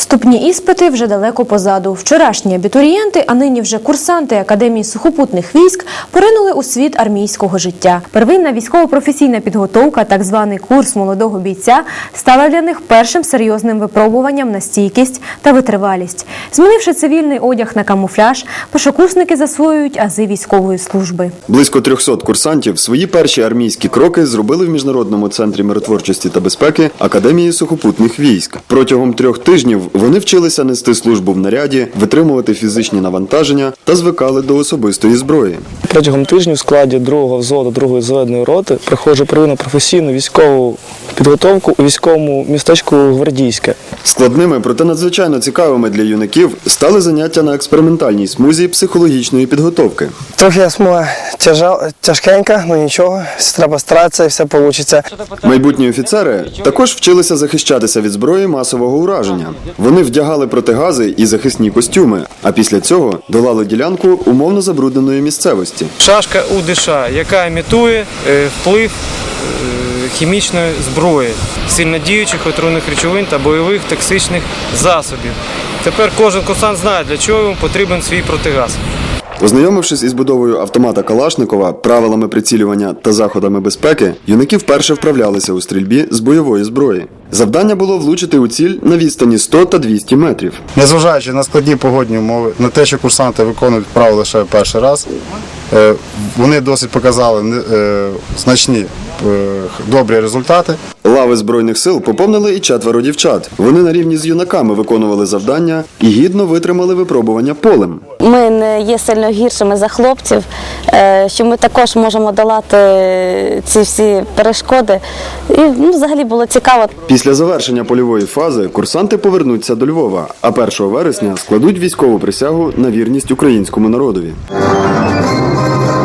Вступні іспити вже далеко позаду. Вчорашні абітурієнти, а нині вже курсанти Академії сухопутних військ поринули у світ армійського життя. Первинна військово-професійна підготовка, так званий курс молодого бійця, стала для них першим серйозним випробуванням на стійкість та витривалість. Змінивши цивільний одяг на камуфляж, першокурсники засвоюють ази військової служби. Близько 300 курсантів свої перші армійські кроки зробили в Міжнародному центрі миротворчості та безпеки Академії сухопутних військ. Протягом 3 тижнів вони вчилися нести службу в наряді, витримувати фізичні навантаження та звикали до особистої зброї. Протягом тижня в складі 2-го взводу 2-ї зведеної роти проходжу первинну професійну військову підготовку у військовому містечку Гвардійське. Складними, проте надзвичайно цікавими для юнаків стали заняття на експериментальній смузі психологічної підготовки. Трохи смуга тяжкенька, але нічого, треба старатися і все вийде. Майбутні офіцери також вчилися захищатися від зброї масового ураження. Вони вдягали протигази і захисні костюми, а після цього долали ділянку умовно забрудненої місцевості. Шашка УДШ, яка імітує вплив хімічної зброї, сильнодіючих отруйних речовин та бойових токсичних засобів. Тепер кожен курсант знає, для чого йому потрібен свій протигаз. Ознайомившись із будовою автомата Калашникова, правилами прицілювання та заходами безпеки, юнаки вперше вправлялися у стрільбі з бойової зброї. Завдання було влучити у ціль на відстані 100 та 200 метрів. Незважаючи на складні погодні умови, на те, що курсанти виконують вправи лише перший раз, вони досить показали значні добрі результати. Лави Збройних сил поповнили і 4 дівчат. Вони на рівні з юнаками виконували завдання і гідно витримали випробування полем. Ми не є сильно гіршими за хлопців, що ми також можемо долати ці всі перешкоди. І взагалі було цікаво. Після завершення польової фази курсанти повернуться до Львова, а 1 вересня складуть військову присягу на вірність українському народові.